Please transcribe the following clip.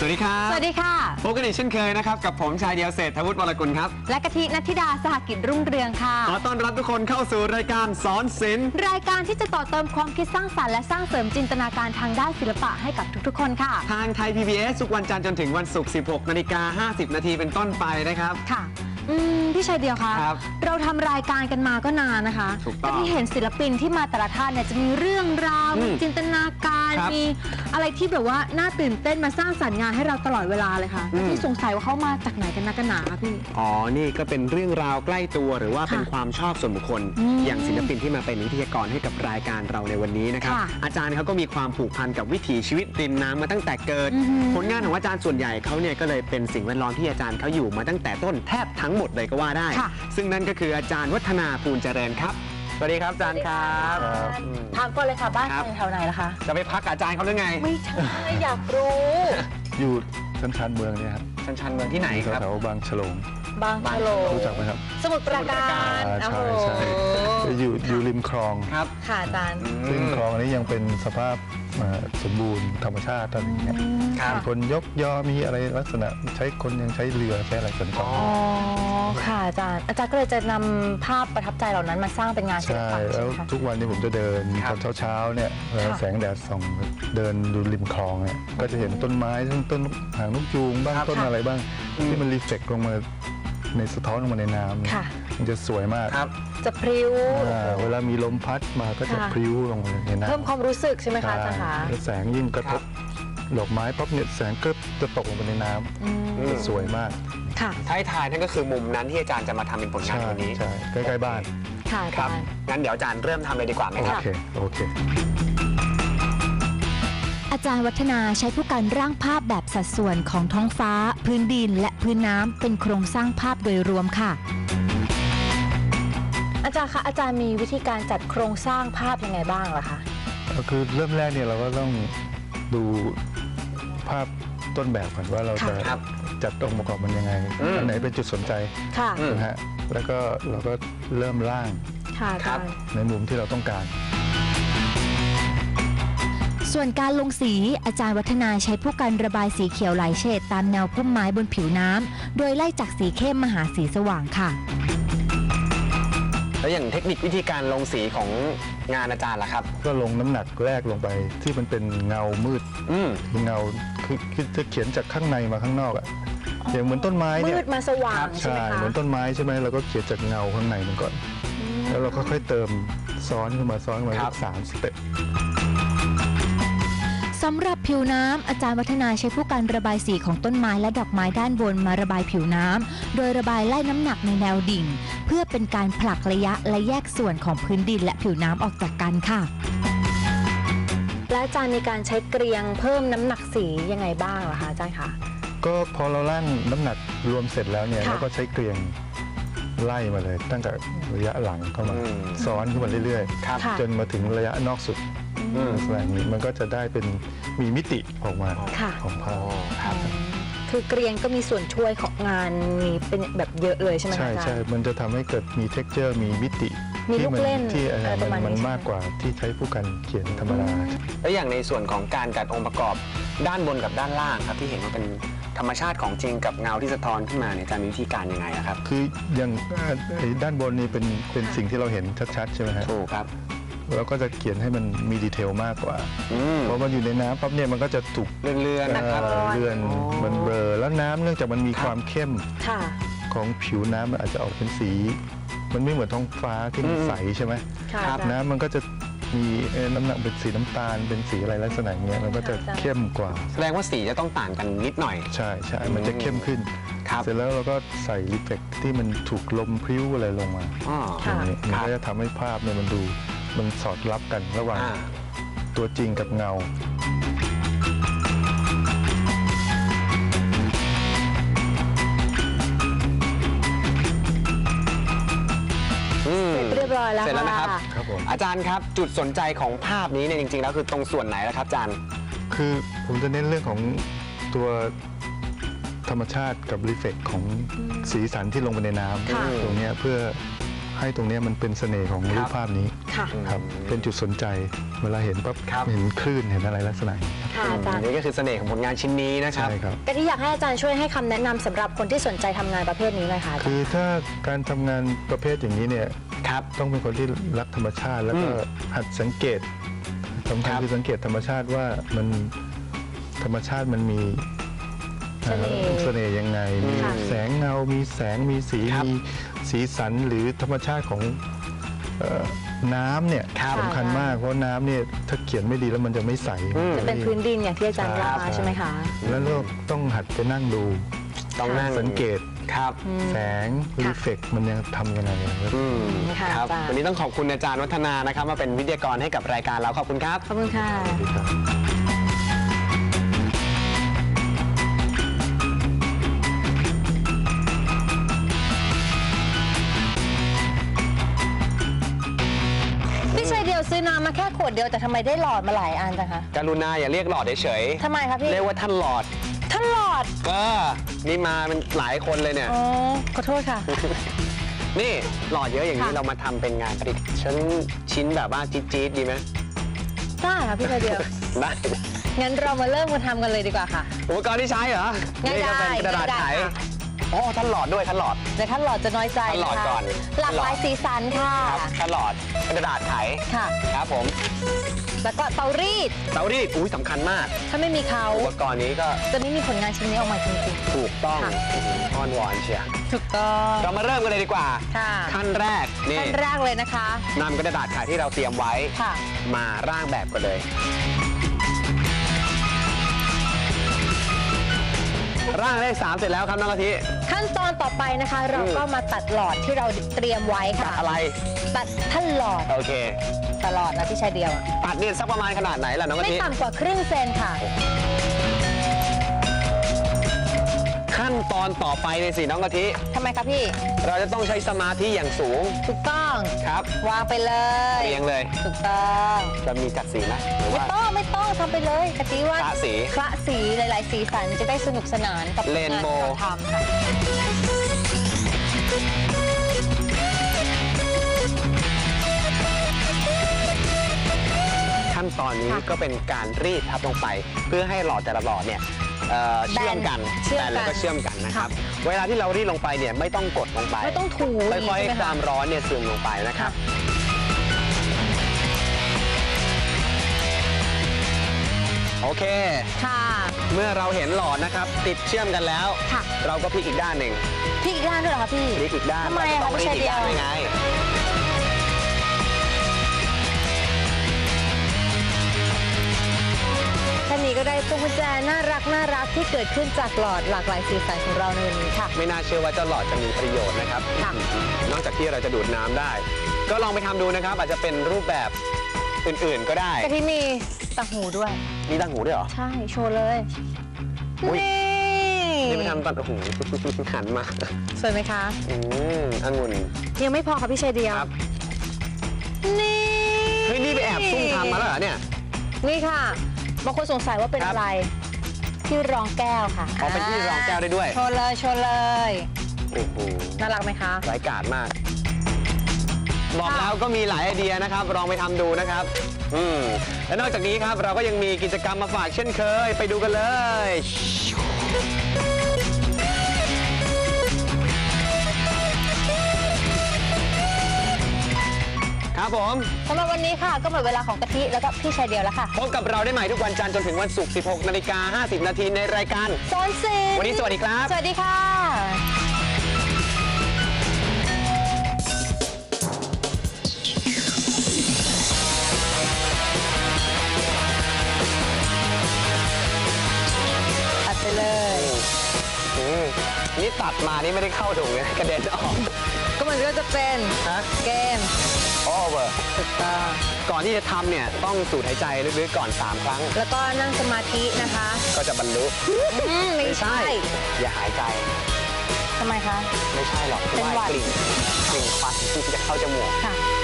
วัสดีครับสวัสดีค่ะพบกันอีกเช่นเคยนะครับกับผมชายเดียวเศรษฐวุฒิวรกุลครับและกะทินัทธิดาสหกิจรุ่งเรืองค่ะขอต้อนรับทุกคนเข้าสู่รายการสอนศิลป์รายการที่จะต่อเติมความคิดสร้างสรรค์และสร้างเสริมจินตนาการทางด้านศิลปะให้กับทุกๆคนค่ะทางไทย PBS ทุกวันจันทร์จนถึงวันศุกร์ 16:50 นาทีเป็นต้นไปนะครับค่ะพี่ชายเดียวคะเราทำรายการกันมาก็นานนะคะแต่ที่เห็นศิลปินที่มาแต่ละท่านเนี่ยจะมีเรื่องราวมีจินตนาการมีอะไรที่แบบว่าน่าตื่นเต้นมาสร้างสรรค์งานให้เราตลอดเวลาเลยค่ะที่สงสัยว่าเขามาจากไหนกันนักกันหนาคะพี่นี่ก็เป็นเรื่องราวใกล้ตัวหรือว่าเป็นความชอบส่วนบุคคลอย่างศิลปินที่มาเป็นวิทยากรให้กับรายการเราในวันนี้นะครับอาจารย์เขาก็มีความผูกพันกับวิถีชีวิตริมน้ำมาตั้งแต่เกิดผลงานของอาจารย์ส่วนใหญ่เขาเนี่ยก็เลยเป็นสิ่งแวดล้อมที่อาจารย์เขาอยู่มาตั้งแต่ต้นแทบทั้งหมดเลยก็ว่าได้ซึ่งนั่นก็คืออาจารย์วัฒนาภูลเจริญครับสวัสดีครับอาจารย์ครับถามก่อนเลยค่ะบ้านอยู่แถวไหนล่ะคะจะไปพักอาจารย์เขาหรือไงไม่ใช่อยากรู้อยู่ชันเมืองเนี่ยครับชันเมืองที่ไหนครับแถวบางฉลงรู้จักไหมครับสมุทรปราการใช่อยู่ริมคลองครับค่ะอาจารย์ริมคลองนี้ยังเป็นสภาพสมบูรณ์ธรรมชาติอะไรอย่างเงี้ยมีคนยกยอมีอะไรลักษณะใช้คนยังใช้เรือใช้อะไรสัญจรค่ะอาจารย์ก็เลยจะนำภาพประทับใจเหล่านั้นมาสร้างเป็นงานศิลปะใช่แล้วทุกวันนี้ผมจะเดินตอนเช้าเนี่ยแสงแดดส่องเดินดูริมคลองเนี่ยก็จะเห็นต้นไม้ทั้งต้นหางนกยูงบ้างต้นอะไรบ้างที่มันรีเฟล็กลงมาในสะท้อนลงมาในน้ำมันจะสวยมากจะพริ้วเวลามีลมพัดมาก็จะพริ้วลงในน้ำเพิ่มความรู้สึกใช่ไหมคะอาจารย์คะแสงยิ่งกระทบดอกไม้ปั๊บเนี่ยแสงก็จะตกลงไปในน้ำจะสวยมากท้ายนั่นก็คือมุมนั้นที่อาจารย์จะมาทำเป็นผลงานวันนี้ใช่ใกล้ๆบ้านค่ะครับงั้นเดี๋ยวอาจารย์เริ่มทำเลยดีกว่าไหมครับโอเคอาจารย์วัฒนาใช้ผู้การร่างภาพแบบสัดส่วนของท้องฟ้าพื้นดินและพื้นน้ำเป็นโครงสร้างภาพโดยรวมค่ะอาจารย์คะอาจารย์มีวิธีการจัดโครงสร้างภาพยังไงบ้างล่ะคะก็คือเริ่มแรกเนี่ยเราก็ต้องดูภาพต้นแบบก่อนว่าเราจะจัดองค์ประกอบมันยังไงอันไหนเป็นจุดสนใจนะฮะแล้วก็เราก็เริ่มร่างในมุมที่เราต้องการส่วนการลงสีอาจารย์วัฒนาใช้ผู้กันระบายสีเขียวหลายเฉดตามแนวพุ่มไม้บนผิวน้ำโดยไล่จากสีเข้มมาหาสีสว่างค่ะแล้วอย่างเทคนิควิธีการลงสีของงานอาจารย์ล่ะครับก็ลงน้ำหนักแรกลงไปที่มันเป็นเงามืดเงาคือจะเขียนจากข้างในมาข้างนอกอะอย่างเหมือนต้นไม้เนี่ยมืดมาสว่างใช่เหมือนต้นไม้ใช่ไหมเราก็เขียนจากเงาข้างในมันก่อนแล้วเราก็ค่อยเติมซ้อนขึ้นมา3 สเต็ปสำหรับผิวน้ำอาจารย์วัฒนาใช้ผู้การระบายสีของต้นไม้และดอกไม้ด้านบนมาระบายผิวน้ำโดยระบายไล่น้ำหนักในแนวดิ่งเพื่อเป็นการผลักระยะและแยกส่วนของพื้นดินและผิวน้ำออกจากกันค่ะและอาจารย์มีการใช้เกลียงเพิ่มน้ำหนักสียังไงบ้างล่ะคะอาจารย์คะก็พอเราลั่นน้ำหนักรวมเสร็จแล้วเนี่ยเราก็ใช้เกลียงไล่มาเลยตั้งแต่ระยะหลังเข้ามาซ้อนขึ้นมาเรื่อยๆจนมาถึงระยะนอกสุดแบบนี้มันก็จะได้เป็นมีมิติออกมาของภาพคือเกรียงก็มีส่วนช่วยของงานมีเป็นแบบเยอะเลยใช่ไหมคะใช่มันจะทำให้เกิดมี texture มีมิติที่มันมากกว่าที่ใช้ผู้กันเขียนธรรมดาแล้วอย่างในส่วนของการจัดองค์ประกอบด้านบนกับด้านล่างครับที่เห็นว่าเป็นธรรมชาติของจริงกับเงาที่สะท้อนขึ้นมาเนี่ยจะมีวิธีการยังไงครับคืออย่างด้านบนนี่เป็นสิ่งที่เราเห็นชัดๆใช่ไหมครับถูกครับเราก็จะเขียนให้มันมีดีเทลมากกว่าเพราะมันอยู่ในน้ำปั๊บเนี่ยมันก็จะถูกเลื่อนมันเบลอแล้วน้ำเนื่องจากมันมีความเข้มของผิวน้ำมันอาจจะออกเป็นสีมันไม่เหมือนท้องฟ้าที่มันใสใช่ไหมน้ำมันก็จะมีน้ำหนักเป็นสีน้ำตาลเป็นสีอะไรลักษณะเงี้ยมันก็จะเข้มกว่าแสดงว่าสีจะต้องต่างกันนิดหน่อยใช่มันจะเข้มขึ้นเสร็จแล้วเราก็ใส่รีเฟล็กที่มันถูกลมพริ้วอะไรลงมาอย่างนี้มันก็จะทำให้ภาพเนี่ยมันสอดรับกันระหว่างตัวจริงกับเงาเรียบร้อยแล้วเสร็จแล้วนะครับอาจารย์ครับจุดสนใจของภาพนี้เนี่ยจริงๆแล้วคือตรงส่วนไหนล่ะครับอาจารย์คือผมจะเน้นเรื่องของตัวธรรมชาติกับรีเฟล็กของสีสันที่ลงไปในน้ำตรงนี้เพื่อให้ตรงนี้มันเป็นเสน่ห์ของรูปภาพนี้ค่ะครับเป็นจุดสนใจเวลาเห็นปั๊บเห็นคลื่นเห็นอะไรลักษณะนี้ค่ะอาจารย์นี่ก็คือเสน่ห์ของผลงานชิ้นนี้นะครับใช่ครับกะทิอยากให้อาจารย์ช่วยให้คำแนะนำสำหรับคนที่สนใจทำงานประเภทนี้เลยค่ะอาจารย์คือถ้าการทำงานประเภทอย่างนี้เนี่ยครับต้องเป็นคนที่รักธรรมชาติ แล้วก็หัดสังเกตสำคัญคือสังเกตธรรมชาติว่ามันธรรมชาติมันมีเสน่ห์ยังไงมีแสงเงา มีแสงมีสีมีสีสันหรือธรรมชาติของน้ำเนี่ยสำคัญมากเพราะน้ำเนี่ยถ้าเขียนไม่ดีแล้วมันจะไม่ใสจะเป็นพื้นดินอย่างที่อาจารย์ว่าใช่ไหมคะแล้วเราต้องหัดไปนั่งดูต้องนั่งสังเกตครับแสงรีเฟกมันยังทำยังไงค่ะครับอาจารย์วันนี้ต้องขอบคุณอาจารย์วัฒนานะครับมาเป็นวิทยากรให้กับรายการเราขอบคุณครับขอบคุณค่ะ พี่ชายเดียวซื้อน้ำมาแค่ขวดเดียวแต่ทำไมได้หลอดมาหลายอันจังคะกรุณาอย่าเรียกหลอดเฉยทำไมคะพี่ๆเรียกว่าท่านหลอดท่านหลอดนี่มาเป็นหลายคนเลยเนี่ยอ๋อขอโทษค่ะนี่หลอดเยอะอย่างนี้ค่ะเรามาทำเป็นงานประดิษฐ์ชิ้นแบบว่าจี๊ดๆดีไหมได้ค่ะพี่ชายเดียวได้งั้นเรามาเริ่มมาทำกันเลยดีกว่าค่ะอุปกรณ์ที่ใช้เหรอง่ายๆนี่ก็เป็นกระดาษง่ายๆไขค่ะอ๋อท่านหลอดด้วยท่านหลอดเดี๋ยวท่านหลอดจะน้อยใจท่านหลอดนะคะก่อนหลากหลายสีสันค่ะครับท่านหลอดกระดาษไขค่ะครับผมแล้วก็เตารีดเตารีดอุ้ยสำคัญมากถ้าไม่มีเขาอุปกรณ์นี้ก็จะไม่มีผลงานชิ้นนี้ออกมาจริงถูกต้องค่ะอ้อนวอนเชียร์ๆ ถูกต้องเรามาเริ่มกันเลยดีกว่าค่ะขั้นแรกนี่ขั้นแรกเลยนะคะนำกระดาษไขที่เราเตรียมไว้ค่ะมาร่างแบบกันเลย ร่างเลข3เสร็จแล้วครับน้องกะทิขั้นตอนต่อไปนะคะ เราก็มาตัดหลอดที่เราเตรียมไว้ค่ะอะไรตัดท่านหลอดโอเคตลอดนะพี่ชายเดียวอะตัดนี่สักประมาณขนาดไหนล่ะน้องกะไม่ทิต่ำกว่าครึ่งเซนค่ะขั้นตอนต่อไปเลยสิน้องกะทิทำไมคะพี่เราจะต้องใช้สมาธิอย่างสูงถูกต้องครับวางไปเลยเรียงเลยถูกต้องจะมีจัดสีไหมหรือไม่ว่าต้องไม่ต้องทำไปเลยกะทิว่าคละสีคละสีหลาย ๆ สีสันจะได้สนุกสนานกับงานเรที่นโบว์เราทำค่ะขั้นตอนนี้ค่ะก็เป็นการรีดทับลงไป เพื่อให้หลอดแต่ละหลอดเนี่ยเชื่อมกันเชื่อมแบนกัแล้วนก็เชื่อมกันนะครับค่ะเวลาที่เรารีดลงไปเนี่ยไม่ต้องกดลงไปไม่ต้องถูค่อยใช่ไหมๆความคะร้อนเนี่ยซึมลงไปนะครับ โอเคค่ะเมื่อเราเห็นหลอดนะครับติดเชื่อมกันแล้วค่ะเราก็พลิกอีกด้านหนึ่งพี่อีกด้านด้วยเหรอคะพี่พลิกอีกด้านทำไมอะเราคะก็พี่ต้องพลิชาก ยอีเดีกยวด้านด้วยไงแค่นี้ก็ได้พวงกุญแจน่ารักที่เกิดขึ้นจากหลอดหลากหลายสีสันของเราในวันนี้ค่ะไม่น่าเชื่อว่าเจ้าหลอดจะมีประโยชน์นะครับค่ะนอกจากที่เราจะดูดน้ำได้ ก็ลองไปทำดูนะครับ อาจจะเป็นรูปแบบอื่นๆก็ได้กะทิมีต่างหูด้วยมีตั้งหูด้วยเหรอใช่ โชว์เลยอุ๊ยนี่นี่ไปทำตัดหู หันมาสวยไหมคะองุ่นยังไม่พอค่ะพี่ชายเดียวครับนี่เฮ้ยนี่ไปแอบซุ่มทำมาแล้วเหรอเนี่ยนี่ค่ะ บางคนสงสัยว่าเป็นครับอะไร ที่รองแก้วค่ะอ๋อเป็นที่รองแก้วได้ด้วยโชว์เลยโชว์เลยโอ้โหน่ารักไหมคะไร้กาจมาก บอกแล้วก็มีหลายไอเดียนะครับ ลองไปทำดูนะครับ และนอกจากนี้ครับเราก็ยังมีกิจกรรมมาฝากเช่นเคย ไปดูกันเลย ครับผมสำหรับวันนี้ค่ะ ก็หมดเวลาของกะทิแล้วก็พี่ชายเดียวแล้วค่ะพบกับเราได้ใหม่ทุกวันจันทร์จนถึงวันศุกร์ 16:50 นาทีในรายการซ้อนสินวันนี้สวัสดีครับสวัสดีค่ะตัดไปเลยนี่ตัดมานี่ไม่ได้เข้าถุงเลยกระเด็นออกก็มันก็จะเป็นฮะเกมโอเวอร์ถูกต้องก่อนที่จะทำเนี่ยต้องสูดหายใจลึกๆก่อน 3 ครั้งแล้วก็นั่งสมาธินะคะก็จะบรรลุไม่ใช่อย่าหายใจทำไมคะไม่ใช่หรอกเป็นหวัดกลิ่นควันที่จะเข้าจมูกค่ะ